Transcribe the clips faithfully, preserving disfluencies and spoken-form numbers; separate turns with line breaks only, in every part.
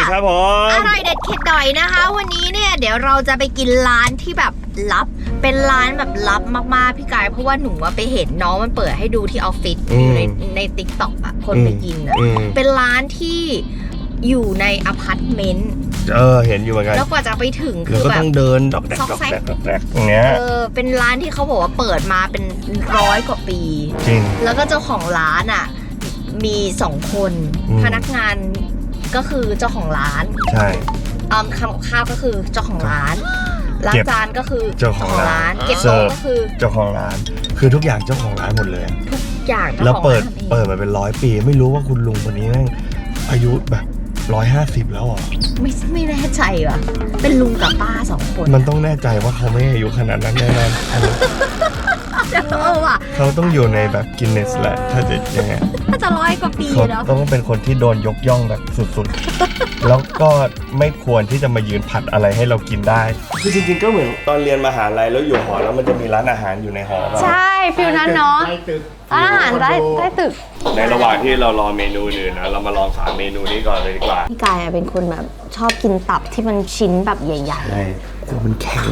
ครับผม
อร่อยเด็ดเข็ดดอยนะคะวันนี้เนี่ยเดี๋ยวเราจะไปกินร้านที่แบบลับเป็นร้านแบบลับมากๆพี่กายเพราะว่าหนูว่าไปเห็นน้องมันเปิดให้ดูที่ออฟฟิศอยู่ในในติ๊กต็อกอะคนไปกินอะเป็นร้านที่อยู่ในอพาร์ตเมนต์
เออเห็นอยู่เหมือนกัน
แล้วกว่าจะไปถึงคือแบบ
ต้องเดินดอกแดกดอกแดกดอกแดกอย่างเงี้ย
เออเป็นร้านที่เขาบอกว่าเปิดมาเป็นร้อยกว่าปี
จริง
แล้วก็เจ้าของร้านอ่ะมีสองคนพนักงานก็คือเจ้าของร้าน
ใช่
อืมทำกับข้าวก็คือเจ้าของร้านล้างจานก็คือ
เจ้าของร้าน
เก็บโต๊ะก็คือ
เจ้าของร้านคือทุกอย่างเจ้าของร้านหมดเลย
ทุกอย่าง
แล้วเปิดเปิดมาเป็นร้อยปีไม่รู้ว่าคุณลุงคนนี้แม่งอายุแบบร้อยห้าสิบแล้วอ่ะ
ไม่ไม่แน่ใจว่ะเป็นลุงกับป้าสองคน
มันต้องแน่ใจว่าเขาไม่อายุขนาดนั้นแน่นอน
เออว่ะ
เขาต้องอยู่ในแบบกินเนสแหละถ้าจะยังไง
ถ้าจะร้อยกว่าปีแล้ว
ต้องเป็นคนที่โดนยกย่องแบบสุดๆแล้วก็ไม่ควรที่จะมายืนผัดอะไรให้เรากินได้คือจริงๆก็เหมือนตอนเรียนมหาลัยแล้วอยู่หอแล้วมันจะมีร้านอาหารอยู่ในหอ
ใช่ฟิลนั้นเนาะอาหารได้ได้ตึก
ในระหว่างที่เรารอเมนูอื่นนะเรามาลองสามเมนูนี้ก่อนเลยดีกว่า
พี่กายเป็นคนแบบชอบกินตับที่มันชิ้นแบบใหญ่ๆ
ใช่แต่มันแข็ง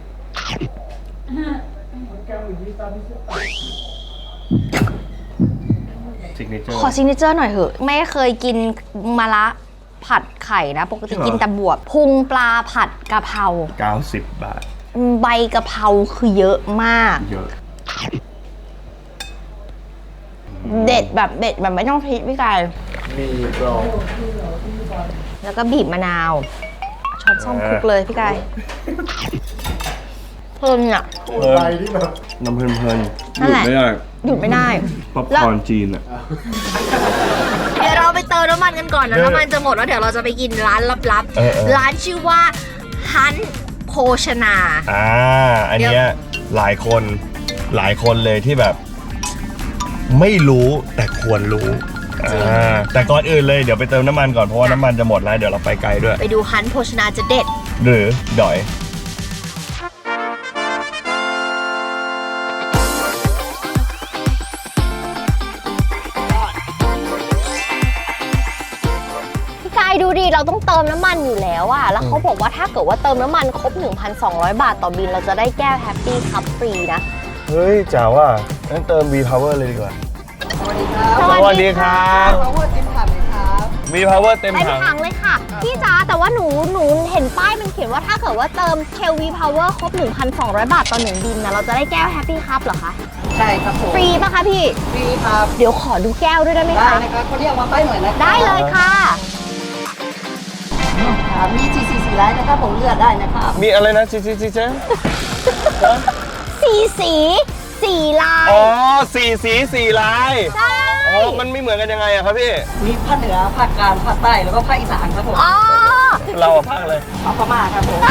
ขอซิกเนเจอร์หน่อยเถอะไม่เคยกินมะระผัดไข่นะปกติกินแต่บวบพุงปลาผัดกะเพรา
เก้าสิบบาท
ใบกะเพราคือเยอะมาก
เยอะ
เด็ดแบบเด็ดแบบไม่ต้องพริกพี่กาย
มีกรอบ
แล้วก็บีบมะนาวช้อนส้อมคลุกเลยพี่กายเพลินอ่ะ
ไปที่แบบน้ำเพลินเพลินหยุดไม่ได้
หยุดไม่ได้
ป๊อปคอร์นจีนอ่ะ
เดี๋ยวเราไปเติมน้ำมันกันก่อนนะน้ำมันจะหมดแล้วเดี๋ยวเราจะไปกินร้านลับๆร้านชื่อว่าฮันโภชนา
อ่าอันเนี้ยหลายคนหลายคนเลยที่แบบไม่รู้แต่ควรรู้อ่าแต่ก่อนอื่นเลยเดี๋ยวไปเติมน้ำมันก่อนเพราะว่าน้ำมันจะหมดแล้วเดี๋ยวเราไปไกลด้วย
ไปดูฮันโภชนาจะเด็ด
หรือดอย
ดูดิเราต้องเติมน้ำมันอยู่แล้วอะแล้วเขาบอกว่าถ้าเกิดว่าเติมน้ำมันครบ หนึ่งพันสองร้อย บาทต่อบินเราจะได้แก้วแฮปปี้คัพฟรีนะ
เฮ้ยจ๋าว่างั้นเติม V Power เลยดีกว่า
สวัสดีครับ
สวัสดีครับ
พาวเวอร์เต็มถังเลยครับ
V Power เต็มถัง
เต็มถังเลยค่ะพี่จ๋าแต่ว่าหนูหนูเห็นป้ายมันเขียนว่าถ้าเกิดว่าเติมเทล V Power ครบ หนึ่งพันสองร้อย บาทต่อหนึ่งบินนะเราจะได้แก้วแฮปปี้คัพเหรอคะ
ใช่ครับผม
ฟรีป่ะคะพี่
ฟรีครับ
เดี๋ยวขอดูแก้วด้วยได้ไหมคะ
ได้นะครับคนที่เอามาป้ายหน่อยนะ
ได้เลยค่ะ
มีสีสีสีลายนะครับผมเลือกได้นะครับ
มีอะไรนะสีสีสีเจ๊
สีสีสีลาย
อ๋อสีสีสีลาย
ใช่
อ๋อมันไม่เหมือนกันยังไงอะครับพี่
มีภาคเหนือภาคกลางภาคใต้แล้วก็ภาคอีสานครับผม
อ๋อ
เราภาคอะไร
ภาคพม่าครับผม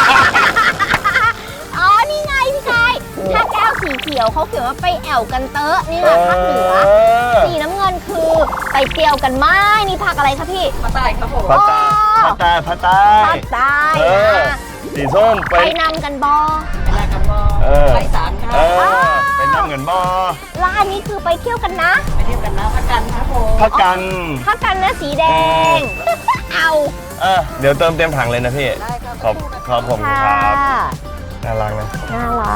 อ๋อนี่ไงพี่ชายถ้าแก้วสีเขียวเขาเขียนว่าไปแอวกันเตอะนี่แหละภาคเหนือสีน้ำเงินคือไปเตียวกันไม้นี่ภาคอะไรคะพี่
ภาคใต้ครับผม
ภาคใต้ภาคใต้ภาคใต้
ภาคใต้
สีส้ม
ไปนำกันบอ
ไปนำกันบอไปสารครับ
ไปนำกันบอ
ร้านนี้คือไปเที่ยวกันนะ
ไปเที่ยวกันนะพักกันครับผม
พักกัน
พักกันนะสีแดงเอา
เออเดี๋ยวเติมเต็มถังเลยนะพี่ขอบขอบผมครับน่ารักนะ
น่ารัก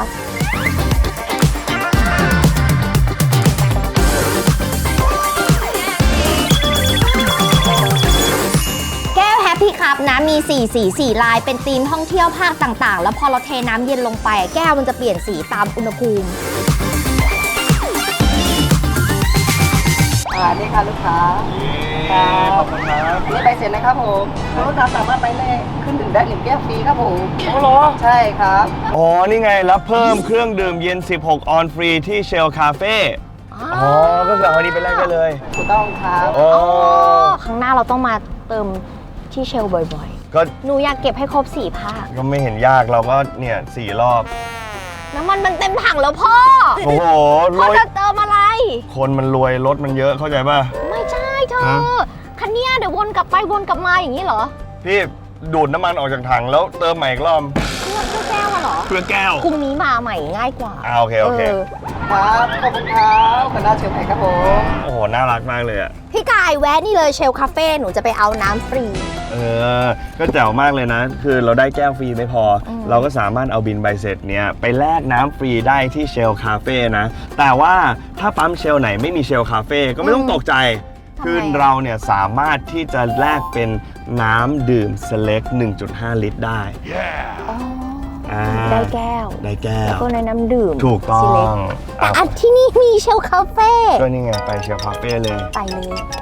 พี่ครับนะมีสี่สีสี่ลายเป็นธีมท่องเที่ยวภาคต่างๆแล้วพอเราเทน้ำเย็นลงไปแก้วมันจะเปลี่ยนสีตามอุณหภูมิ
อ่านี่ค่ะลูกค้า
ขอบคุณครับ
นี่ไปเสร็จนะครับผมลูกค้าสามารถไปเลยขึ้นดื่มได้หนึ่งแก้วฟรีครับผม
โอ้โห
ใช่ครับ
อ๋อนี่ไงรับเพิ่มเครื่องดื่มเย็นสิบหกออนฟรีที่เชลคาเฟ่อ๋อก็คือเอาอันนี้ไปแลกได้เลย
ถูกต้องครับ
โอ้
ครั้งหน้าเราต้องมาเติมที่เชลบ่อยๆก็หนูอยากเก็บให้ครบสี่ภาค
ก็ไม่เห็นยากเราก็เนี่ยสี่รอบ
น้ำมันมันเต็มถังแล้วพ่อ
โอ้โห
พ่อจะเติมอะไร
คนมันรวยรถมันเยอะเข้าใจป่ะ
ไม่ใช่เธอคันนี้เดี๋ยววนกลับไปวนกลับมาอย่างนี้เหรอ
พี่ดูดน้ำมันออกจากถังแล้วเติมใหม่อีกรอบ
เพื่อแก้วมาเหรอ
เพื่อแก้ว
พรุ่งนี้มาใหม่ง่ายกว่า
อ่าโอเคโอเค
ครับขอบคุณครับคณะเชียวไผ่ครับผม
โอ้โหน่ารักมากเลยอ่ะ
พี่กายแวะนี่เลยเชลคาเฟ่หนูจะไปเอาน้ำฟรี
เออก็แจ๋วมากเลยนะ คือเราได้แก้วฟรีไม่พออ
ม
เราก็สามารถเอาบินใบเสร็จเนี้ยไปแลกน้ำฟรีได้ที่เชลคาเฟ่นะแต่ว่าถ้าปั๊มเชลไหนไม่มีเชลคาเฟ่ก็ไม่ต้องตกใจ
ทำไม
คือเราเนี่ยสามารถที่จะแลกเป็นน้ำดื่มเซเล็ก หนึ่งจุดห้า ลิตรได้
อ๋อ
อ่า
ได้แก้ว
ได้แก้
แล้ว
ว
ก็ในน้ำดื่ม
ถูกต้อ
ซีเล็
ง
แต่อันที่นี่มีเชลคาเฟ่
ก็นี่ไงไปเชลคาเฟ่เลย
ไปเลย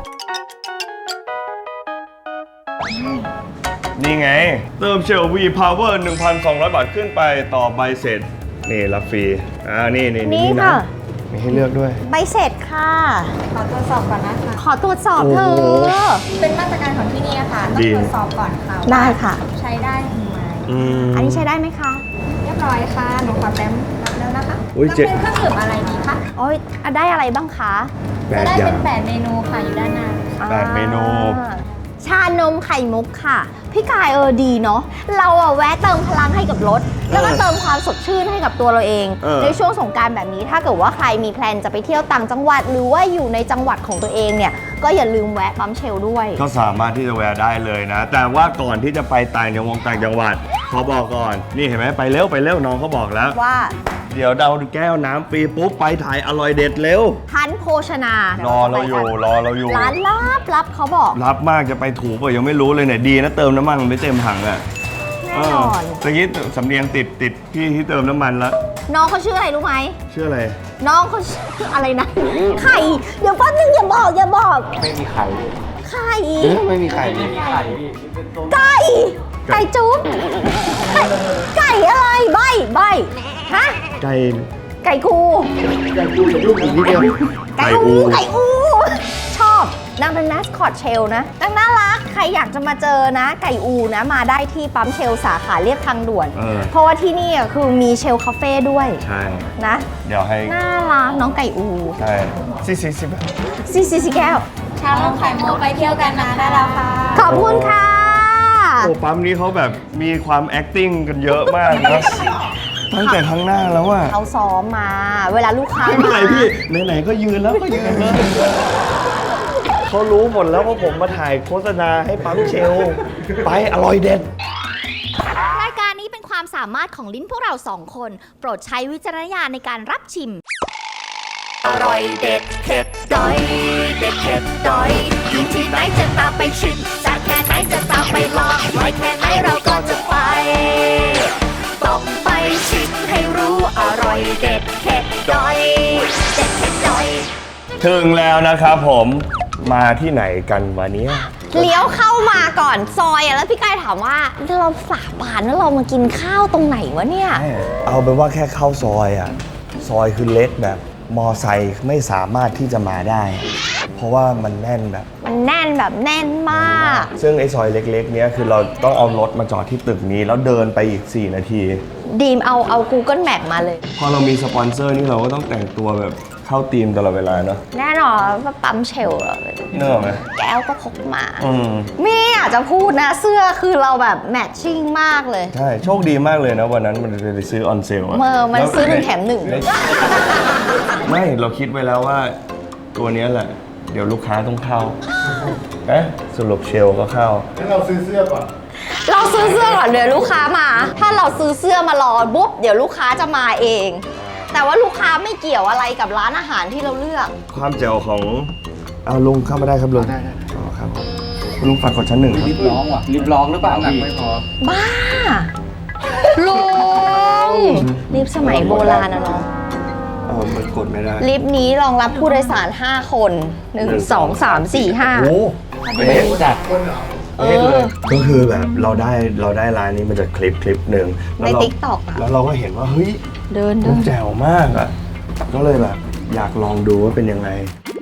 นี่ไง เติมเชล V Power หนึ่งพันสองร้อย บาทขึ้นไปต่อใบเสร็จ นี่รับฟรี อ่า นี่นี่
นี่
นะ
ค่ะ
มีให้เลือกด้วย
ใบเสร็จค่ะ
ขอตรวจสอบก่อนนะคะ
ขอตรวจสอบเธ
โอ้
อ
โห
เป็นมาตรการของที่นี่ค่ะ ต้อ
ดี
งตรวจสอบก่อนค่ะ
ได้ค่ะ
ว่าใช้ได้หรือไม่
อืม
อันนี้ใช้ได้ไหมคะ
เรียบร้อยค่ะ หนูขอแต้มรับแล้วนะคะ
อุ๊ย
ต้อง
เจ๊
เป็นเครื่องดื่มอะไรดีคะ
โอ้ยอ่ะได้อะไรบ้างคะ
แป
จะ
ด
ได้
อย่า
เป็
ง
นแปดเมนูค่ะอยู่ด้านหน้า
แปดเมนู
อ่าชานมไข่มุกค่ะ พี่กายเออดีเนาะ เราอะแวะเติมพลังให้กับรถ แล้วก็เติมความสดชื่นให้กับตัวเราเอง
เออ
ในช่วงสงกรารแบบนี้ถ้าเกิดว่าใครมีแพลนจะไปเที่ยวต่างจังหวัด หรือว่าอยู่ในจังหวัดของตัวเองเนี่ย ก็อย่าลืมแวะปั๊มเชลด้วย
ก็สามารถที่จะแวะได้เลยนะ แต่ว่าก่อนที่จะไปต่างจังหวัดต่างจังหวัดขอบอกก่อน นี่เห็นไหมไปเร็วไปเร็วน้องเขาบอกแล้ว
ว่า
เดี๋ยวเราแก้วน้ำฟรีปุ๊บไปถ่ายอร่อยเด็ดเร็ว
ทันโภชนาร
อเราอยู่รอเราอยู่
ร้านลับลับเขาบอก
รับมากจะไปถูกเปล่ายังไม่รู้เลยเนี่ยดีนะเติมน้ำมันมันไม่เต็มถังอ่ะ
แน่นอน
เตะกี้สำเนียงติดติดพี่ที่เติมน้ำมันแล้ว
น้องเขาชื่ออะไรรู้ไหม
ชื่ออะไร
น้องเขาชื่ออะไรนะ ไข่ เดี๋ยวแป๊บนึงอย่าบอกอย่าบอก
ไม่มีไข่
ไข่
ไม่มีไข่ไม่มีไข่
ไก่ ไก่จุ๊บไก่ไก่อะไรใบใบฮะ
ไก่
ไก่คู
ไก่ดูกับลูกอีกนิดเดียว
ไก่อูไก่อู ชอบนางเป็นแมสคอตเชลนะนางน่ารัก ใครอยากจะมาเจอนะ ไก่อูนะ มาได้ที่ปั๊มเชลสาขาเรียบทางด่วน
เออ
เพราะว่าที่นี่อ่ะคือมีเชลคาเฟ่ด้วย
ใช่
นะ
เดี๋ยวให้
น่ารักน้องไก่อู
ใช่สิสิสิ
ซีซีซีแก้ว
ชาลงไข่มุกไปเที่ยวกันนะได้แล้วค่ะ
ขอบคุณค่ะ
โอ้ปั๊มนี้เขาแบบมีความ acting กันเยอะมากนะตั้งแต่ข้างหน้าแล้วอะ
เขาซ้อมมา เวลาลูกค้า
ไม่เป็นไร
มา
พี่ไหนๆก็ยืนแล้วก็ยืนเลยเขารู้หมดแล้วว่าผมมาถ่ายโฆษณาให้ปั๊มเชล ไปอร่อยเด็ด
รายการนี้เป็นความสามารถของลิ้นพวกเราสองคน โปรดใช้วิจารณญาณในการรับชิม อร่อยเด็ดเผ็ดดอย เด็ดเผ็ดดอย อยู่ที่ไหนจะตามไปชิมจากแค่ไหนจะตามไปลองไว้แค่ไหนเราก็จะไป ต้องไปชิมให้รู้อร่อยเด็ดเผ็ดดอย เด็ดเผ็ดดอย
ถึงแล้วนะครับผม มาที่ไหนกันวันนี้
เลี้ยวเข้ามาก่อนซอยอะแล้วพี่กายถามว่าเราฝาบานแล้วเรามากินข้าวตรงไหนวะเนี่ย
เอาเป็นว่าแค่เข้าซอยอ่ะ ซอยคือเล็กแบบมอไซค์ไม่สามารถที่จะมาได้ เพราะว่ามันแน่นแบบ
มันแน่นแบบแน่นมาก
ซึ่งไอ้ซอยเล็กๆเนี้ยคือเราต้องเอารถมาจอดที่ตึกนี้ แล้วเดินไปอีก สี่ นาที
ดีมเอาเอา Google Map มาเลย
พอเรามีสปอนเซอร์นี่เราก็ต้องแต่งตัวแบบเข้าธีมตลอดเวลาเนาะ
แน่นอนว่าปั๊มเชลล์เรา
เนกอะไหม
แก้วก็พกมา
อืม
ไม่อยากจะพูดนะเสื้อคือเราแบบแมทชิ่งมากเลย
ใช่ โชคดีมากเลยนะ วันนั้นมันไปซื้อออนเซลอะ
เมื่อมัน
ล้ว
ซื้อหนึ่งแถมหนึ่ง
ไม่เราคิดไว้แล้วว่าตัวเนี้ยแหละ เดี๋ยวลูกค้าต้องเข้าเอ๊ะสรุปเชลก็เข้า
งั้นเราซื้อเสื้อก่อน
เราซื้อเสื้อก่อนเดี๋ยวลูกค้ามา ถ้าเราซื้อเสื้อมารอปุ๊บเดี๋ยวลูกค้าจะมาเอง แต่ว่าลูกค้าไม่เกี่ยวอะไรกับร้านอาหารที่เราเลือก
ความแจ๋วของเอาลุงเข้ามาได้ครับลุง
ได้ได้
อ๋อครับผมคุณลุงฝากกดชั้นหนึ่งครับ
ลิฟร้องว่ะลิฟร้องหรือเปล่าหนักไม่พอ
บ้าลุงลิฟต์สมัยโบราณนะน้อง
เออมันกดไม่ได้
ลิฟต์นี้รองรับผู้โดยสาร ห้า คน หนึ่ง สอง สาม สี่ ห้า
โอ้
เอ๊ะจัด
เออ
ก็คือแบบเราได้เราได้ร้านนี้มาจากคลิปคลิปหนึ่ง
ใน
แล้วเรา
TikTok อะ
แล้วเราก็เห็นว่าเฮ้ย
เดิน
มั
เดิ
น
น
แจ๋วมากอ่ะ ก็เลยแบบอยากลองดูว่าเป็นยังไง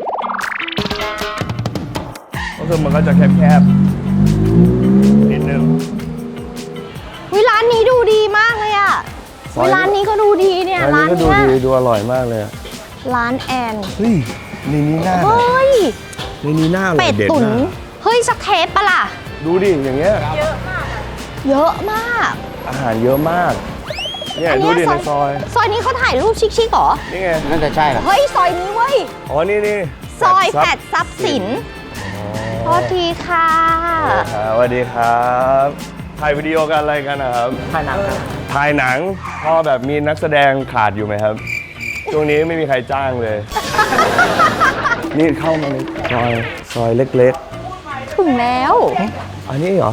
ก็คือมันก็จะแคบๆนิดนึง
วิร้านนี้ดูดีมากเลยอะ
ซอยนี้
วิร้านนี้ก็ดูดีเนี่ย
ร้า
ร้าน น
นี้ก็ดู
เนี้ย
ดีดูอร่อยมากเลยอะ
ร้านแอน
เฮ้ยในนี้หน้า
เฮ้ย
ในนี้หน้าอร่
เป็
อย
ด
เด็ด
ตุ๋น
มาก
เฮ้ยสักเทปปะล่ะ
ดูดิอย่างเงี้ย
เยอะมาก
อาหารเยอะมากเนี่ย
อัน
ดู
เนี้ย
ดิในซอย
ซอยนี้เขาถ่ายรูปชิคๆเหรอ
นี่ไง
น่าจะใช่แหละ
เฮ้ย ซอยนี้เว้ย
อ๋อ นี่นี่
ซอยแปดทรัพย์สินโทษทีค่ะ
สวัสดีครับถ่ายวิดีโอกันอะไรกันนะครับ
ถ่ายหนังครับ
ถ่ายหนังพอแบบมีนักแสดงขาดอยู่ไหมครับช่วงนี้ไม่มีใครจ้างเลย นี่เข้ามาในซอยซอยเล็ก
ถึงแล้ว
ๆ อันนี้เหรอ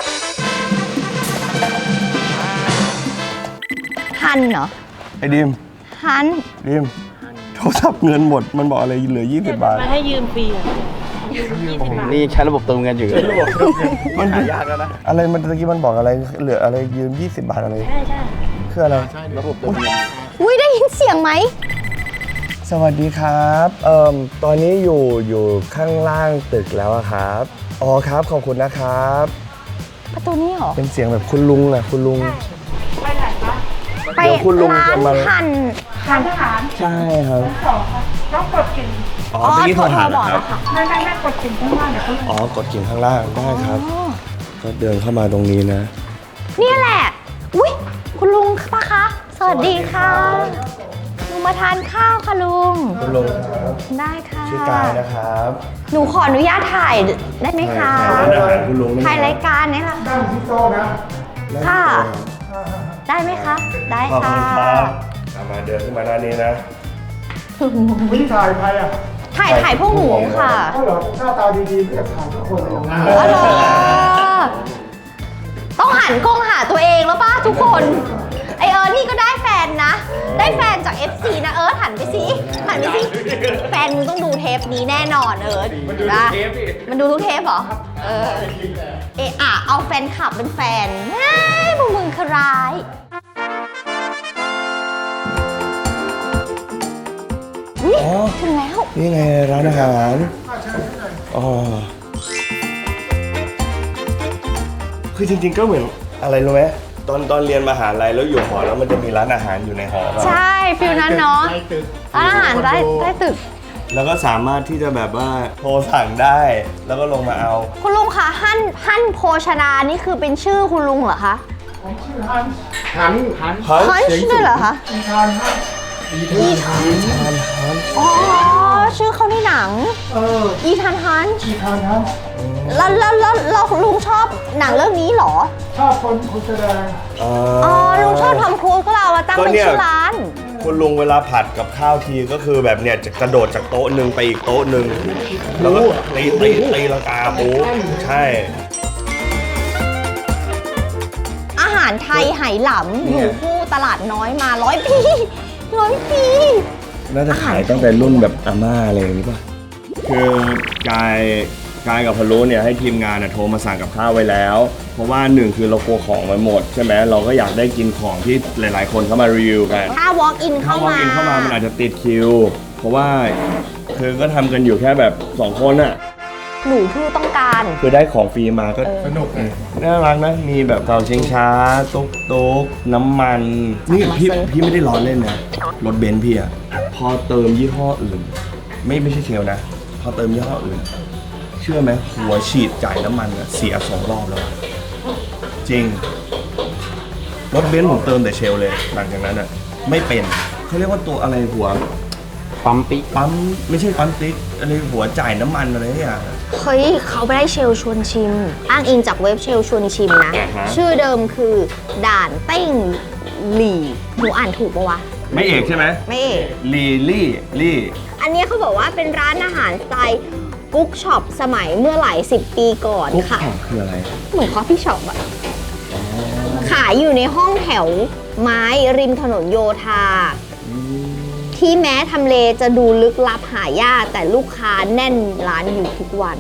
ฮันเหรอ
ไอ้ดิม
ฮัน
ดิมโทรศัพท์เงินหมดมันบอกอะไรเหลือยี่สิบบาท
มาให้ยืมฟรีอ่ะ
นี่ใช้ระบบเติมเงินอยู่
มันยากแล้วนะอะไรมันตะกี้มันบอกอะไรเหลืออะไรยืมยี่สิบบาทอะไรใช่ใช่คืออะไร
ระบบเติมเงิน
อุ้ยได้ยินเสียงไหม
สวัสดีครับเอ่อตอนนี้อยู่อยู่ข้างล่างตึกแล้วอะครับอ๋อครับขอบคุณนะครับ
ประตูนี้เหรอ
เป็นเสียงแบบคุณลุงอะคุณลุง
ไป
เดี๋ยวคุณลุง
ร้าน
จะมา
ฮันฮัน
ใช่ครับ
ต้องกดกิ่ง
อ๋อเมื่อกี้โทรหาเหรอครับ
ไม่ไม่ไม่กดกิ่งข้างล่างเดี๋ยวเขา
อ๋อกดกิ่งข้างล่างได้ครับ
อ๋อ
ก็เดินเข้ามาตรงนี้นะ
เนี่ยแหละ อุ้ยคุณลุงปะคะ สวัสดีค่ะลุงมาทานข้าวค่ะลุง
คุณลุงครับ
ได้ค่ะ
ชื่อกายนะครับ
หนูขออนุญาตถ่ายได้ไหมคะ
ถ่ายร้านอาหารคุณลุง
ถ่ายรายการนี่แหละค่ะค่ะ ได้ไหมคะ ได้
ขอบ
ค่ะ
คุณครับเอามาเดินขึ้นมาด้านนี้นะ
วิธีถ่ายใครอ่ะ
ถ่ายถ่ายพวกหนูค่ะ
ก็เหรอหน้าตาดีๆอยากถ่ายทุกคนเลย
อ๋อเหรอต้องหันกล้องหาตัวเองแล้วป่ะทุกคน ไอเอิร์ธนี่ก็ได้แฟนนะ ได้แฟนจาก เอฟ ซี นะเอิร์ธหันไปสิหันไปสิแฟนมึงต้องดูเทปนี้แน่นอนเอิร์ธมันดูทุกเทปมันดูทุกเทปเหรอ เออ เอะอะเอาแฟนคลับเป็นแฟนเฮ้ยพวกมึงคือร้าย อุ๊ย
อ๋อ
ถึงแล้ว
นี่ไงร้านอาหารอ๋อคือจริงๆก็เหมือนอะไรรู้ไหมตอนตอนเรียนมหาลัยแล้วอยู่หอแล้วมันจะมีร้านอาหารอยู่ในหอป่ะ
ใช่ฟิลนั้นเนาะร้านอาหารใต้ใต้ตึก
แล้วก็สามารถที่จะแบบว่าโทรสั่งได้ แล้วก็ลงมาเอา
คุณลุงคะฮั่นฮั่นโภชนานี่คือเป็นชื่อคุณลุงเหรอคะ
หันหัน
ฮั่นด้วยเหรอคะ
อีทานหัน
อีทานอ๋อชื่อเขาในหนัง
เออ
อีทานฮัน
อีทานหัน
แล้วแล้วแล้วแล้วลุงชอบหนังเรื่องนี้เหรอ
ชอบคนคนแสดง
อ๋อ
อ๋อลุงชอบทำครูซก็เราอะตั้งเป็นชื่อร้าน
คุณลุงเวลาผัดกับข้าวทีก็คือแบบเนี่ยจะกระโดดจากโต๊ะหนึ่งไปอีกโต๊ะหนึ่งแล้วก็ตีตีตีลังกาโอ้ใช่
อาหารไทยไหหลำอยู่คู่ตลาดน้อยมาร้อยปีร้อยปี
น่าจะขายตั้งแต่รุ่นแบบอาม่าอะไรอย่างนี้ป่ะ คือกายกายกับพะโล้เนี่ยให้ทีมงานน่ะโทรมาสั่งกับข้าวไว้แล้ว เพราะว่าหนึ่งคือเรากลัวของมันหมดใช่ไหมเราก็อยากได้กินของที่หลาย ๆ คนเข้ามารีวิวกัน
ถ้า walk in
ถ้า
เข้า
ว่า
มา
กินเข้ามามันอาจจะติดคิว เพราะว่าคือก็ทำกันอยู่แค่แบบสองคนอะ
หนูผู้ต้องการ
คือได้ของฟรีมาก็
สนุกเลย
น่ารักนะ มีแบบเตาชิงช้า ตุ๊กตุ๊กน้ำมัน นี่พี่พี่ไม่ได้ล้อเล่นนะ รถเบนซ์พี่อะพอเติมยี่ห้ออื่น ไม่ไม่ใช่เชลนะ พอเติมยี่ห้ออื่น เชื่อไหมหัวฉีดจ่ายน้ำมันอะเสียสองรอบแล้วอะจริง รถเบนซ์ผมเติมแต่เชลเลย หลังจากนั้นอะไม่เป็นเขาเรียกว่าตัวอะไรหัว
ปั๊มปิ๊ก
ปั๊มไม่ใช่ปั๊มติ๊กอะไรหัวจ่ายน้ำมันอะไรอย่าง
เฮ้ยเขาไปได้เชลชวนชิม อ้างอิงจากเว็บเชลชวนชิมนะ
อ่าฮะ
ชื่อเดิมคือด่านเต้งหลี่หนูอ่านถูกปะวะ
ไม่เอกใช่ไหม
ไม่เอก
ลีลี่ลี่
อันนี้เขาบอกว่าเป็นร้านอาหารสไตล์กุ๊กช็อปสมัยเมื่อหลายสิบปีก่อน
กุ๊ก
ค่ะ
ของคืออะไร
เหมือนคอฟฟี่ช็อปอะขายอยู่ในห้องแถวไม้ริมถนนโยธา ที่แม้ทำเลจะดูลึกลับหายากแต่ลูกค้าแน่นร้านอยู่ทุกวัน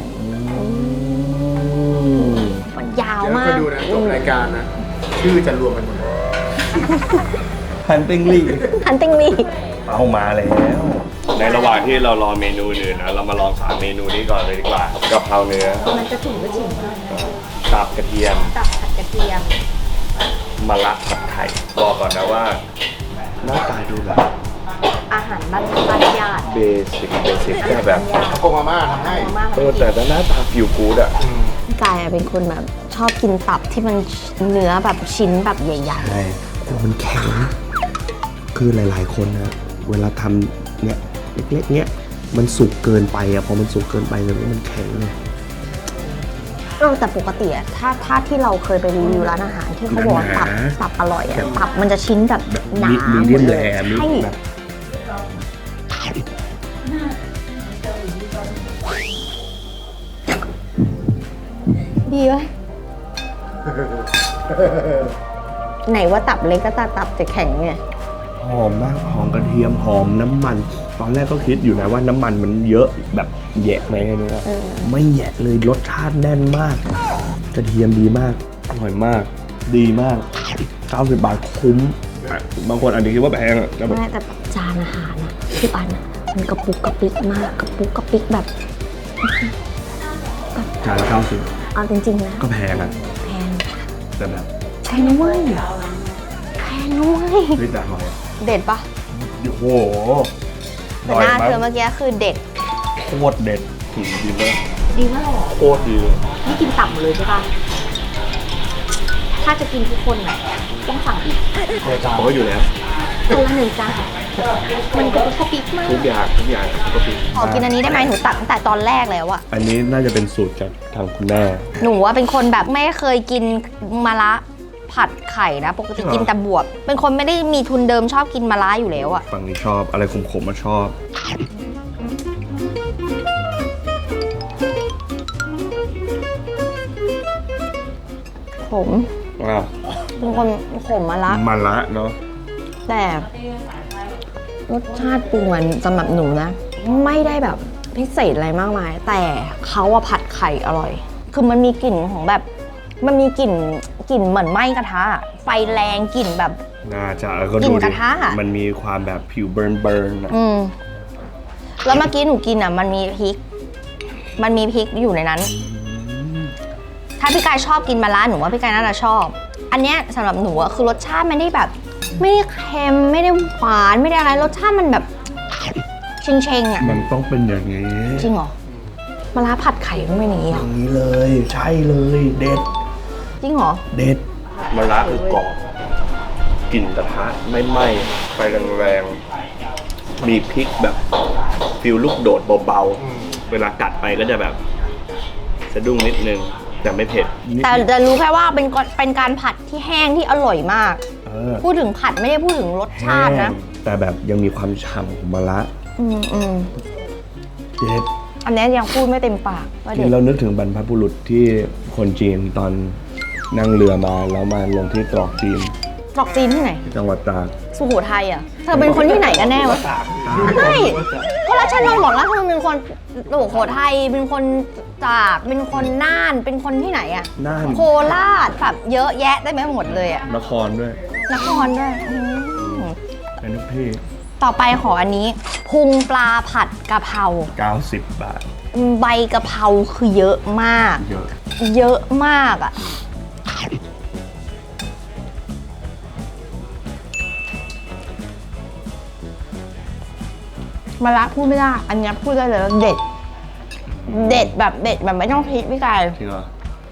มันยาวมาก
เดี๋ยวไปดูนะจบรายการนะ ชื่อจะรวมกันหมดเลย
ฮันติงลี่
ฮันติงลี
เอามาแล้ว ในระหว่างที่เรารอเมนูอื่นนะเรามาลองสามเมนูนี้ก่อนเลยดีกว่ากะเพราเนื้อ
มันจะถึงก็ชิม
ตับกระเทียม
ตับผัดกระเทียม
มะระผัดไข่บอกก่อนนะว่าหน้าตาดูแบบ
อาหารบ้านบ้านญาติ
เบสิกเบสิกแค่แบบ
โกมาม่าทำให้
เออแต่หน้าตาฟิวกูดอะ
พี่กายเป็นคนแบบชอบกินตับที่มันเนื้อแบบชิ้นแบบใหญ่
ใช่กลัวมันแข็งคือหลายๆคนนะเวลาทำเนี่ยเล็กๆเนี้ยมันสุกเกินไปอะพอมันสุกเกินไปเลยมันแข็งเลย
เออแต่ปกติอะถ้าถ้าที่เราเคยไปรีวิวร้านอาหารที่เขาบอกว่าตับตับอร่อยอะตับมันจะชิ้นแบบหนา
มี
หม
เดีย
ด
ม
เล
แร
ย
มี
ใช่
แบบ
ดีไหมไหนว่าตับเล็กก็ตาตับจะแข็งไง
หอมมากหอมกระเทียมหอมน้ำมัน ตอนแรกก็คิดอยู่นะว่าน้ำมันมันเยอะแบบแยะไหมไม่รู้ไม่แยะเลยรสชาติแน่นมาก กระเทียมดีมากอร่อยมาก ดีมากเก้าสิบบาทคุ้มบางคนอาจจะคิดว่าแพงอะแต่แบบ
ไม่แต่จานอาหารอะที่ปันอะมันกระปุกกระปิกมากกระปุกกระปิกแบบ
จานละเก้าสิบ
เอาจริงๆนะ
ก็แพงอะ
แพง
แต่แบบ
แพงนะเว้ยแพงนะเว้ย
เฮ้ยแต่อร่อยอะ
เด็ดปะ
โอ้โห
แต่หน้าเธอเมื่อกี้คือเด็ด
โคตรเด็ดถึงดีมาก
ดีมากเลย
โคตรดีเลย
นี่กินตับหมดเลยใช่ปะถ้าจะกินทุกคนอะต้องสั่งอีก
ผมก็อยู่แล้ว
คนละหนึ่งจานมันกระปุกกระปิกมาก
ทุกอย่างทุกอย่างก็ปี
ขอกินอันนี้ได้ไหมหนูตักตั้งแต่ตอนแรกแล้วอะ
อันนี้น่าจะเป็นสูตรจากทางคุณแม่
หนูว่าเป็นคนแบบไม่เคยกินมะระผัดไข่นะ ปกติกินแต่บวบเป็นคนไม่ได้มีทุนเดิมชอบกินมะระอยู่แล้วอะ
ฝั่งนี้ชอบอะไรขมๆมาชอบ
ผม
อ่า
เป็นคนขมมะระ
มันละเนาะ
แต่รสชาติปรุงมันสำหรับหนูนะ ไม่ได้แบบพิเศษอะไรมากมาย แต่เขาอะผัดไข่อร่อย คือมันมีกลิ่นของแบบ มันมีกลิ่นกลิ่นเหมือนไหม้กระทะอะไฟแรงกลิ่นแบบ
น่าจะก็
กลิ่
ดู
นก
ดิ
ระทะอะ
มันมีความแบบผิวเบิร์นเบิร์นอะ
อืมแล้วเมื่อกี้หนูกินอ่ะ มันมีพริก มันมีพริกอยู่ในนั้น ถ้าพี่กายชอบกินมะระหนูว่าพี่กายน่าจะชอบ อันเนี้ยสำหรับหนูอะคือรสชาติไม่ได้แบบ ไม่ได้เค็มไม่ได้หวานไม่ได้อะไรรสชาติมันแบบเชงเชงๆอ่ะ
มันต้องเป็นอย่างนี้
จริงเหรอมะระผัดไข่มันเป็นอย่างนี้
อ
เหรอย่าง
นี้เลยใช่เลยเด็ด
จริงเหรอ
เด็ดมะระคือกรอบกลิ่นกระทะไม่ไหม้ไฟแรงๆมีพริกแบบฟิลลูกโดดเบาๆเวลากัดไปก็จะแบบสะดุ้งนิดนึงแต่ไม่เผ็ด
แต่จะรู้แค่ว่าเป็นกเป็นการผัดที่แห้งที่อร่อยมาก
เออ
พูดถึงผัดไม่ได้พูดถึงรสชาตินะ
แต่แบบยังมีความฉ่ำของมะระ
อืมอืม
เด็ด
อันเนี้ยยังพูดไม่เต็มปากว่า
ที่
เด็ด
เรานึกถึงบรรพบุรุษที่คนจีนตอนนั่งเรือมาแล้วมาลงที่ตรอกจีน
ตรอกจีนที่ไหน
จังหวัดตาก
สุโขทัยอ่ะ เธอเป็นคนที่ไหนกันแน่วะไม่ก็รัชนนท์บอกแล้วเธอเป็นคนสุโขทัยเป็นคนตากเป็นคนน่านเป็นคนที่ไหนอ่ะ
น่าน
โคราชแบบเยอะแยะได้ไหมหมดเลยอ่ะ
นครด้วย
นครด้วยอืม
เป็นทุกที่
ต่อไปขออันนี้ พุงปลาผัดกะเพรา
เก้าสิบบาท
ใบกะเพราคือเยอะมาก
เยอะ
เยอะมากอ่ะมะระพูดไม่ได้ อันเนี้ยพูดได้เลยว่าเด็ด เด็ดแบบเด็ดแบบไม่ต้องคิดพี่กาย
จริงเหรอ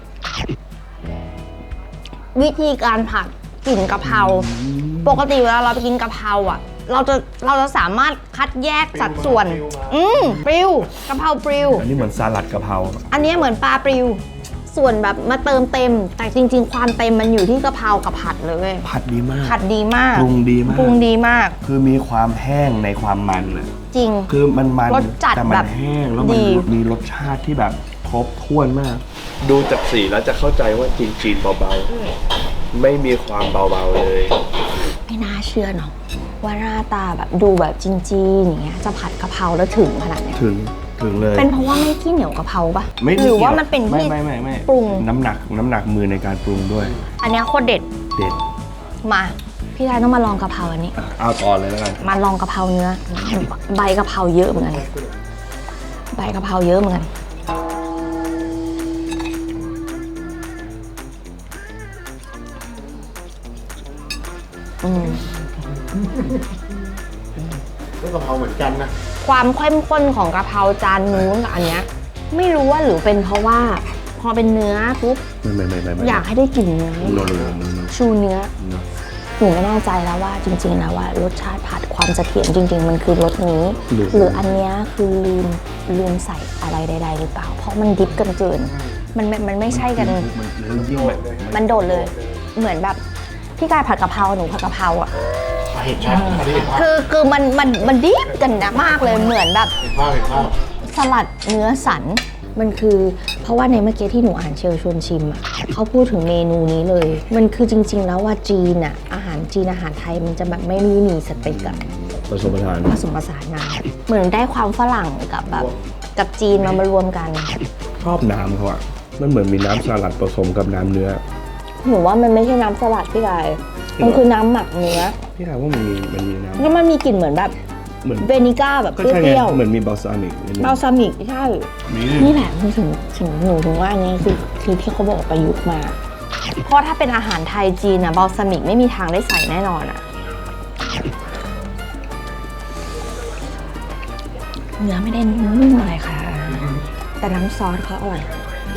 วิธีการผัดกลิ่นกะเพราปกติเวลาเราไปกินกะเพราอ่ะ เราจะเราจะสามารถคัดแยกสัดส่วน อืมปลิวกะเพราปลิว
อันนี้เหมือนสลัดกะเพรา
อันนี้เหมือนปลาปลิว ส่วนแบบมาเติมเต็ม แต่จริง ๆ ความเต็มมันอยู่ที่กะเพรากับผัดเลยเว้ย
ผัดดีมาก
ผัดดีมาก
ปรุงดีมาก
ปรุงดีมาก
คือมีความแห้งในความมันอะ
จริง
คือมันมัน
รสจัด
แต่มั
แบ
น
บ
แห้งแล้วมัน
ดี
มีรสชาติที่แบบครบถ้วนมาก ดูจากสีแล้วจะเข้าใจว่าจีนจีนเบาๆ ไม่มีความเบาๆเลย
ไม่น่าเชื่อเนาะว่าหน้าตาแบบดูแบบจีนๆอย่างเงี้ยจะผัดกะเพราแล้วถึงขนาดเนี้ย
ถึงถึงเลย
เป็นเพราะว่าไม่ขี้เหนียวกะเพราปะ
ไม่
หรือว่า
กี่ย
มันเป็น
ไม่
ที่
ไม่ไม่ไม่
ปรุง
น้ำหนักน้ำหนักมือในการปรุงด้วย
อันเนี้ยโคตรเด็ด
เด็ด
มา พี่ชายต้องมาลองกะเพราอันนี้
อ่ะเอาต่อเลยแล้วกัน
มาลองกะเพราเนื้อ ใบกะเพราเยอะเหมือนกัน ใบกะเพราเยอะเหมือนกัน อืม
ก็กะเพราเหมือนกันนะ
ความเข้มข้นของกะเพราจานนู้นกับอันเนี้ยไม่รู้ว่าหรือเป็นเพราะว่า พอเป็นเนื้อปุ๊บ
ไม่ไม่ไม่ไม่ไม่
อยากให้ได้กลิ่นเนื้อ
โนโนโนโนโน
ชูเนื้อ
โน
หนูไม่แน่ใจแล้วว่าจริงๆแล้วว่ารสชาติผัดความเสถียรจริง ๆ มันคือรสนี้ หรืออันเนี้ยคือลืมลืมใส่อะไรใดๆหรือเปล่าเพราะมันดิบกันเกินมันมันมันไม่ใช่กันมันโดดเลยเหมือนแบบพี่กายผัดกะเพราหนูผัดกะเพราอ่ะ
เห็นชัดอันนี้เห็นภาพ
คือคือมันมันมันดิบกันนะมากเลยเหมือนแบบ
เห็นภาพเห็นภาพ
สลัดเนื้อสันมันคือเพราะว่าในเมื่อกี้ที่หนูอ่านเชิญชวนชิมอ่ะเขาพูดถึงเมนูนี้เลย มันคือจริงๆแล้วว่าจีนอ่ะอาหารจีนอาหารไทยมันจะแบบไม่ได้มีสเต็กอะ
ผสมผสาน
ผสมผสานมาเหมือนได้ความฝรั่งกับแบบกับจีนมามารวมกัน
ชอบน้ำเขาอะมันเหมือนมีน้ำสลัดผสมกับน้ำเนื้อ
หนูว่ามันไม่ใช่น้ำสลัดพี่กายมันคือน้ำหมักเนื้อ
พี่ถามว่ามันมีมันมีน้ำ
แล้วมันมีกลิ่นเหมือนแบบ
เหมือน
เวนิก้าแบบ
ก็
เป
ใช่ไง
รี้ยว
เหมือนมีบาลซามิกนิดนึง
ๆบาลซามิกใช่
มี
นี่แหละมันถึงถึงหนูถึงว่าอันนี้คือคือที่เขาบอกประยุกต์มา เพราะถ้าเป็นอาหารไทยจีนอะบาลซามิกไม่มีทางได้ใส่แน่นอนอะเนื้อไม่ได้นุ่มอะไรค่ะ แต่น้ำซอสเขาอร่อย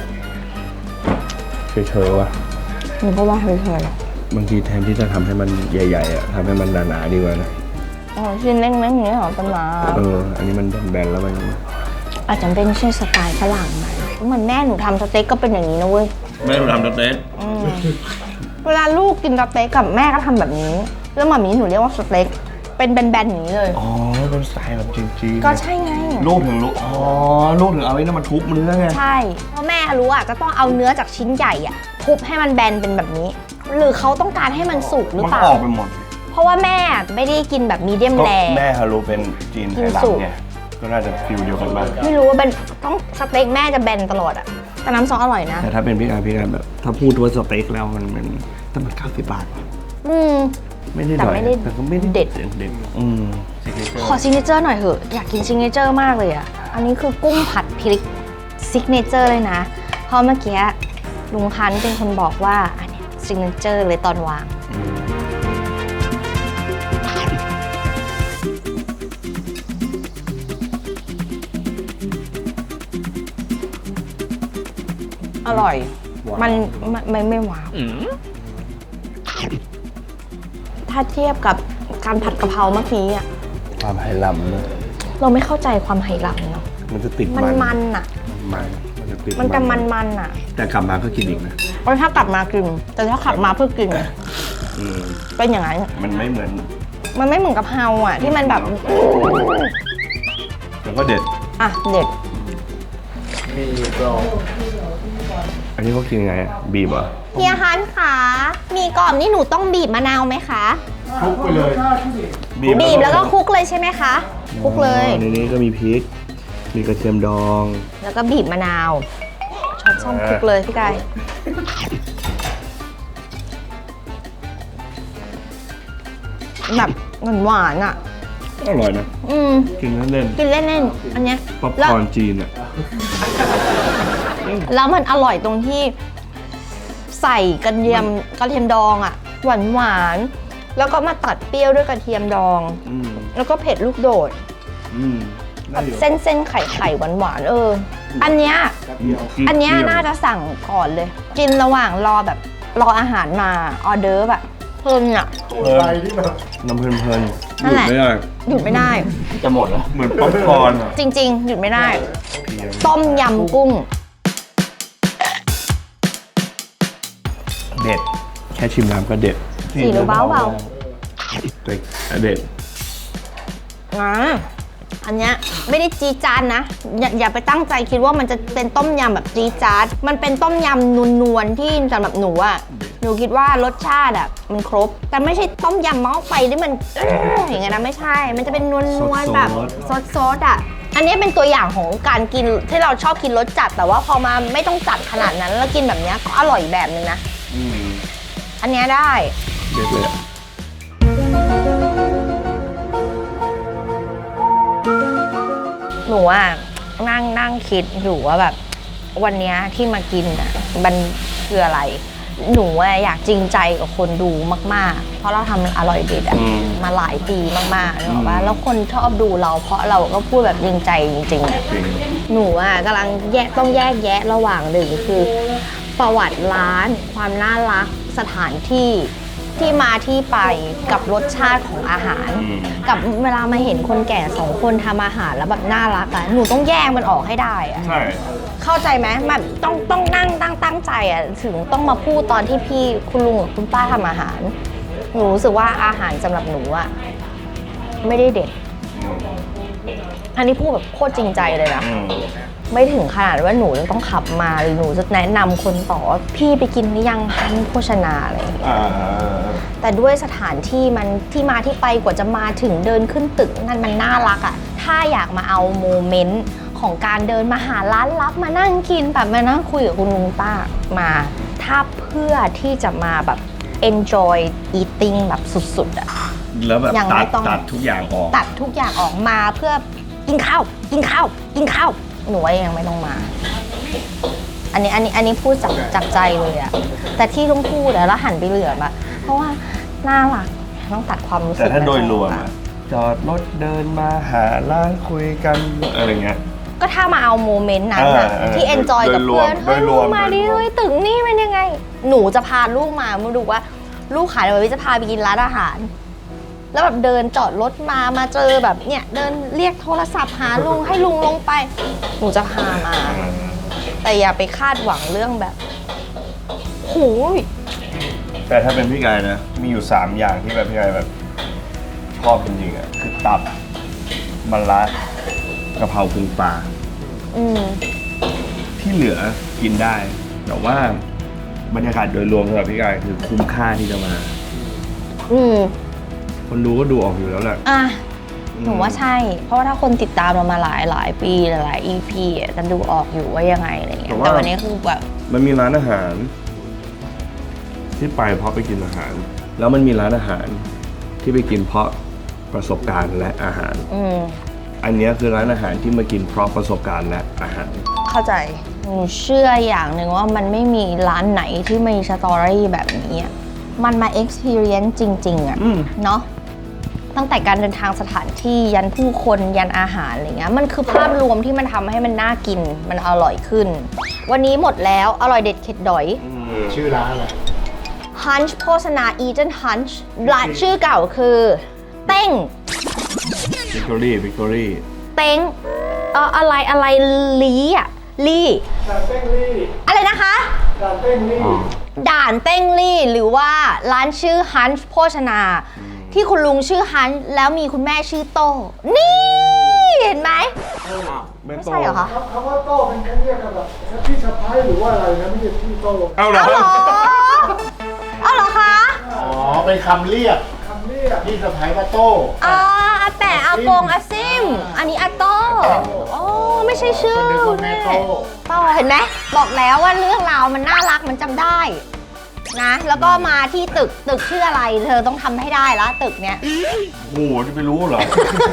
เฉยๆว่ะ
หนูก็ว่าเฉย
บางทีแทนที่จะทำให้มันใหญ่ๆอะทำให้มันหนาๆดีกว่านะ
ๆอ๋อชิ้นเล็กๆอย่างนี้เหรอตำรา
เอออันนี้มันแบนๆแล้วมัน
อาจจะเป็นใช่สไตล์ฝรั่งไหมเหมือนแม่หนูทำสเต็กก็เป็นอย่างนี้นะเว้ย
แม่เราทำสเต็ก
อืมเวลาลูกกินสเต็กกับแม่ก็ทำแบบนี้ แล้วหมามีหนูเรียกว่าสเต็กเป็นแบนๆอย่างนี้เลย
อ๋อเป็นสไตล์แบบจีนๆ
ก็ใช่ไง
ลูกถึงลูกอ๋อลูกถึงเอาไอ้นั่นมาทุบเนื้อไง
ใช่เพราะแม่รู้อ่ะก็ต้องเอาเนื้อจากชิ้นใหญ่อ่ะทุบให้มันแบนเป็นแบบนี้ หรือเขาต้องการให้มันสุกหรือ
มัน
เปล่า
ออกไปหมด
เพราะว่าแม่ไม่ได้กินแบบมีเดียม
ก็
แร
แม่ฮารุเป็นจีนไทย
กินสุก
ลำไงก็น่าจะฟิลเดียวกันบ้าง
ไม่รู้ว่าเป็นต้องสเต็กแม่จะแบนตลอดอ่ะแต่น้ำซอสอร่อยนะ
แต่ถ้าเป็นพี่การพี่การแบบ ถ้าพูดว่าสเต็กแล้วมันมันต้องมันเก้าสิบบาทว่ะ
อืม
ไม่ได้
แต่
หน่อย
ไม่ได้
แต่ก็ไม่ได้
เด็ด
เด็ดอืม
ขอซิกเนเจอร์หน่อยเถอะอยากกินซิกเนเจอร์มากเลยอ่ะอันนี้คือกุ้งผัดพริกซิกเนเจอร์เลยนะเพราะเมื่อกี้ลุงพันธุ์เป็นคนบอกว่าอันนี้ซิกเนเจอร์เลยตอนวางอร่อย มันมันมันไม่หวานถ้าเทียบกับการผัดกะเพราเมื่อกี้อ่ะ
ความไหหลำนะ
เราไม่เข้าใจความไหหลำเนาะ
มันจะติด
มัน
มัน
มันอ่ะ
มันมันจะติด
มันจะมันมันอ่ะ
แต่กลับมาก็กินอีกนะ
เพราะถ้ากลับมากิน แต่ถ้าขับมาเพื่อกิน
อืม
เป็นอย่างนั้น
มันไม่เหมือน
มันไม่เหมือนกะเพราอ่ะ ที่มันแบบ
แล้วก็เด็ด
อ่ะเด็ด
มีกรอบ
อันนี้เขากินยังไงอะบีบเหรอ
เฮียฮันค่ะ มีกรอบนี่หนูต้องบีบมะนาวไหมคะ
คลุกไปเลย
บีบแล้วก็คลุกเลยใช่ไหมคะ คลุกเลย
อ๋อในนี้ก็มีพริก มีกระเทียมดอง
แล้วก็บีบมะนาวช้อนส้อมคลุกเลยพี่กายแบบหวานๆอ่ะ
อร่อยนะ
อืม
กินเล่น
กินเล่นๆ อันเนี้ย
ๆป๊อป
แล้ว
คอร์นจีนอ่ะ
แล้วมันอร่อยตรงที่ใส่กระเทียมกระเทียมดองอ่ะ หวานหวานๆแล้วก็มาตัดเปรี้ยวด้วยกระเทียมดอง
อืม
แล้วก็เผ็ดลูกโดด
อืม
แบบเส้นเส้นไข่ไข่หวานหวานๆเออ อันเนี้ย อันเนี้ยน่าจะสั่งก่อนเลย กินระหว่างรอแบบรออาหารมาออเดอร์แบบเพลินอ่ะ
ไปที่แบบ
น้ำเพลินๆห
นั่
ยุ
น
ด
แหละ
ไม่ได้
หยุดไม่ได้
จะหมดแล้ว
เหมือนป๊อปคอร์นอะ
จริง ๆ หยุดไม่ได้ ต้มยำกุ้ง
เด็ด แค่ชิมน้ำก็เด็ด
สีหรือเบาเบา
แต่เด็ด
อ่าอันเนี้ยไม่ได้จีดจานนะอย่าอย่าไปตั้งใจคิดว่ามันจะเป็นต้มยำแบบจีดจานมันเป็นต้มยำนวลๆที่สำหรับหนูอะหนูคิดว่ารสชาติอะมันครบ แต่ไม่ใช่ต้มยำหม้อไฟที่มันเอ้ออย่างเงี้ยนะไม่ใช่ มันจะเป็นนวลๆแบบซดๆอะอันนี้เป็นตัวอย่างของการกินที่เราชอบกินรสจัดแต่ว่าพอมาไม่ต้องจัดขนาดนั้นแล้วกินแบบเนี้ยก็อร่อยแบบนึงนะ
อืม
อันเนี้ยได้
เด็ดเลยอะ
หนูอ่ะนั่งนั่งคิดอยู่ว่าแบบวันเนี้ยที่มากินอ่ะมันคืออะไร หนูอ่ะอยากจริงใจกับคนดูมากๆ เพราะเราทำมันอร่อยเด็ดอ่ะมาหลายปีมากๆนึกออกปะแล้วคนชอบดูเราเพราะเราก็พูดแบบจริงใจจริงๆอะ
จริง
หนูอ่ะกำลังแยกต้องแยกแยะระหว่างหนึ่งคือประวัติร้าน ความน่ารักสถานที่ที่มาที่ไปกับรสชาติของอาหาร
อืม
กับเวลามาเห็นคนแก่สองคนทำอาหารแล้วแบบน่ารักอะหนูต้องแยกมันออกให้ได้อะ
ใช่
เข้าใจไหมแบบต้องต้องนั่งตั้งตั้งใจอะถึงต้องมาพูดตอนที่พี่คุณลุงกับคุณป้าทำอาหาร หนูรู้สึกว่าอาหารสำหรับหนูอะไม่ได้เด็ด อันนี้พูดแบบโคตรจริงใจเลยนะ
อืม
ไม่ถึงขนาดว่าหนูจะต้องขับมาหรือหนูจะแนะนำคนต่อว่าพี่ไปกินหรือยังฮันโภชนาอะไรอย่างเงี้ย
อ่า
แต่ด้วยสถานที่มันที่มาที่ไปกว่าจะมาถึงเดินขึ้นตึกนั่นมันน่ารักอะ่ะถ้าอยากมาเอาโมเมนต์ของการเดินมาหาร้านลับมานั่งกินแบบมานั่งคุยกับคุณลุงป้ามา ถ้าเพื่อที่จะมาแบบ enjoy eating แบบสุดๆอะ
แล้วแบบ
ยังไม่
ตัด
ต้อง
ตัดทุกอย่างออก
ตัดทุกอย่างออกมาเพื่อกินข้าวกินข้าวกินข้าวหนูว่ายังไม่ต้องมา อันนี้อันนี้อันนี้พูดจากจากใจเลยอะแต่ที่ต้องพูดอะแล้วหันไปเหลือบอะเพราะว่าน่ารักต้องตัดความรู้สึก
แต่ถ้าโดยรวม
นั้นออก
อะจอดรถเดินมาหาร้านคุยกันอะไรเงี้ย
ก็ถ้ามาเอาโมเมนต์นั้นอะ
เออเออ
ที่ enjoy
โดย
กับเพื่อน
โด
เฮ้ย
ยร
ลู
ว
ก
ม
มาดิ
โดยรวม
เฮ้ยตึกนี่เป็นยังไง หนูจะพาลูกมามาดูว่าลูกขายอะไรจะพาไปกินร้านอาหาร แล้วแบบเดินจอดรถมามาเจอแบบเนี่ยเดินเรียกโทรศัพท์หาลุงให้ลุงลงไป หนูจะพามา แต่อย่าไปคาดหวังเรื่องแบบโหย
แต่ถ้าเป็นพี่กายนะ มีอยู่สามอย่างที่แบบพี่กายแบบชอบจริงๆอ่ะคือตับมะระกะเพราพุงปลา
อืม
ที่เหลือกินได้ แต่ว่าบรรยากาศโดยรวมสำหรับพี่กายคือคุ้มค่าที่จะมา
อืม
คนดูก็ดูออกอยู่แล้วแหละ
อ่ะหนูว่าใช่ เพราะว่าถ้าคนติดตามเรามาหลายหลายปีหลาย อี พี อ่ะจะดูออกอยู่ว่ายังไงอะไรเงี้ย
แต่ว่า
แต่วันนี้คือแบบ
มันมีร้านอาหาร ที่ไปเพราะไปกินอาหาร แล้วมันมีร้านอาหารที่ไปกินเพราะประสบการณ์และอาหาร
อืม
อันเนี้ยคือร้านอาหารที่มากินเพราะประสบการณ์และอาหาร
เข้าใจ หนูเชื่ออย่างหนึ่งว่ามันไม่มีร้านไหนที่มีสตอรี่แบบนี้อะมันมา experience จริง ๆ อ่ะ
อืม
เนาะ ตั้งแต่การเดินทางสถานที่ยันผู้คนยันอาหารอะไรเงี้ย มันคือภาพรวมที่มันทำให้มันน่ากิน มันอร่อยขึ้น วันนี้หมดแล้ว อร่อยเด็ดเข็ดดอย
ชื่อร้านอะไร
Hunch โภชนา Eden Hunch ร้านชื่อเก่าคือ เต้ง
วิกตอรี่วิกตอรี่
เต้งเอ่ออะไรอะไรลีอ่ะลีอะไรนะคะ ด่านเต้งลี่หรือว่าร้านชื่อฮันช์โภชนา ที่คุณลุงชื่อฮันช์แล้วมีคุณแม่ชื่อโต นี่เห็นไหม ไม่ใช่เหรอคะ
คำว่าโต้เป็นคำเรียกกันแบบพี่สะพ้ายหรือว่าอะไรนะไม่ใช่พี่โต้
เอาเหรอ
เอาเหรอเอาเหรอคะ
อ๋อเป็นคำเรียกคำเรียกพี่สะพ้ายว่าโต้
อ่าอาแต่อากงอาซิม อันนี้อาโต้โอ้ไม่ใช่ชื่อ
คนนึกว่าแม่โต้
โตเห็นไหมบอกแล้วว่าเรื่องราวมันน่ารักมันจำได้นะ แล้วก็มาที่ตึกตึกชื่ออะไร เธอต้องทำให้ได้ละตึกเนี้ย
โอ้โหจะไปรู้เหรอ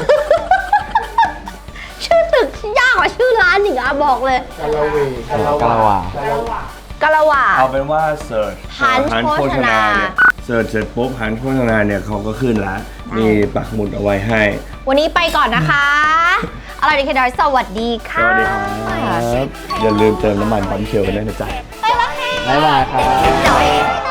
ชื่อตึกยากกว่าชื่อร้านอีกอะบอกเลย
กะละเวกะละ
กะละวา
กะละว่า
เอาเป็นว่าเสิร์ช
Hunch
โภชนาเนี่ยเสิร์ชเสร็จปุ๊บฮันโภชนาเนี่ยเขาก็ขึ้นละมีปักหมุดเอาไว้ให้
วันนี้ไปก่อนนะคะ อร่อยดีเคดอยสวัสดี
ส
ค่ะ
วัสดีครับ อย่าลืมเติมน้ำมันปั๊มเชลกันด้วยนะจ๊ะ
ไปแล้วค่ะ
บ๊ายบายครับ
จอย